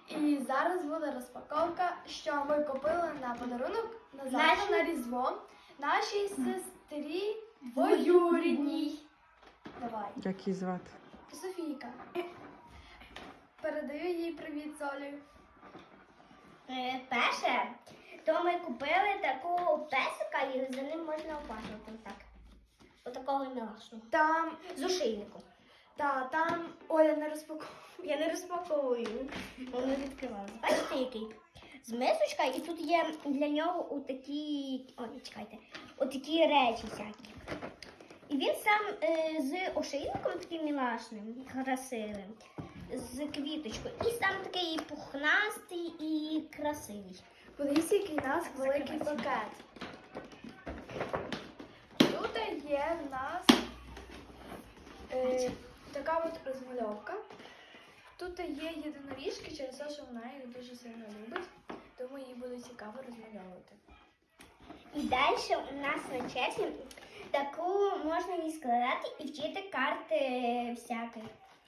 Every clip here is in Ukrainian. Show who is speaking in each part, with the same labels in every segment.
Speaker 1: І зараз буде розпаковка, що ми купили на подарунок на Різдво нашій сестрі двоюрідній. Давай.
Speaker 2: Як її звати?
Speaker 1: Софійка. Передаю їй привіт, Солі.
Speaker 3: Перше, то ми купили таку песика і за ним можна опасувати. Так. Отакого мілашного.
Speaker 1: Там,
Speaker 3: З ошейником.
Speaker 1: там Оля не розпаковує.
Speaker 3: Я не розпаковую. Воно відкривалося. Бачите, який? З мисочка, і тут є для нього отакі речі всякі. І він сам з ошейником таким мілашним, красивим, з квіточкою. І сам такий пухнастий і красивий.
Speaker 1: Подивіться, який у нас великий пакет. Тут є в нас така от розмальовка. Тут є єдиноріжки, через те, що вона їх дуже сильно любить, тому їй буде цікаво розмальовувати.
Speaker 3: І далі у нас на черзі таку можна її складати і вчити карти всякі.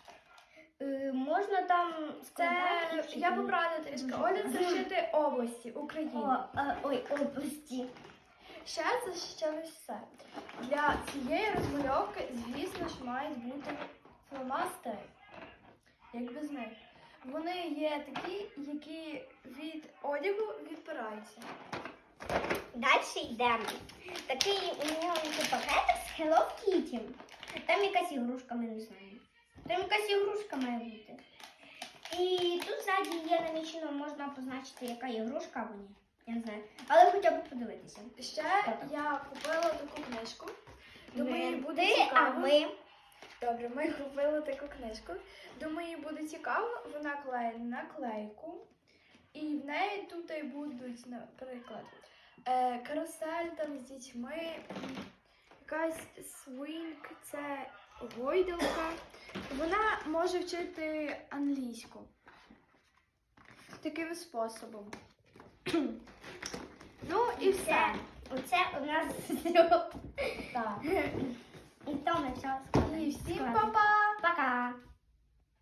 Speaker 3: Можна там складати.
Speaker 1: Я поправлю трішки. Оля це вчити області України.
Speaker 3: Області.
Speaker 1: Ще це ще не все. Для цієї розмальовки, звісно ж, мають бути фломастери. Як без них. Вони є такі, які від одягу відпираються.
Speaker 3: Далі йдемо. Такий у нього пакетик з Hello Kitty. Там якась ігрушка, ми не знаємо. Там якась ігрушка має бути. І тут ззаді є намічено, можна позначити, яка ігрушка або ні. Я не знаю. Але хоча б подивитися.
Speaker 1: Ще я купила таку книжку. Думаю, їй буде
Speaker 3: Ти,
Speaker 1: цікаво.
Speaker 3: а ви?
Speaker 1: Добре, ми купили таку книжку. Думаю, їй буде цікаво. Вона клеє наклейку. І в неї тут і будуть, наприклад, карусель там з дітьми, якась свинг, це гойдалка. Вона може вчити англійську. Таким способом. Ну і все.
Speaker 3: Оце у нас
Speaker 1: Так.
Speaker 3: і то на час.
Speaker 1: І всім па-па!
Speaker 3: Пока.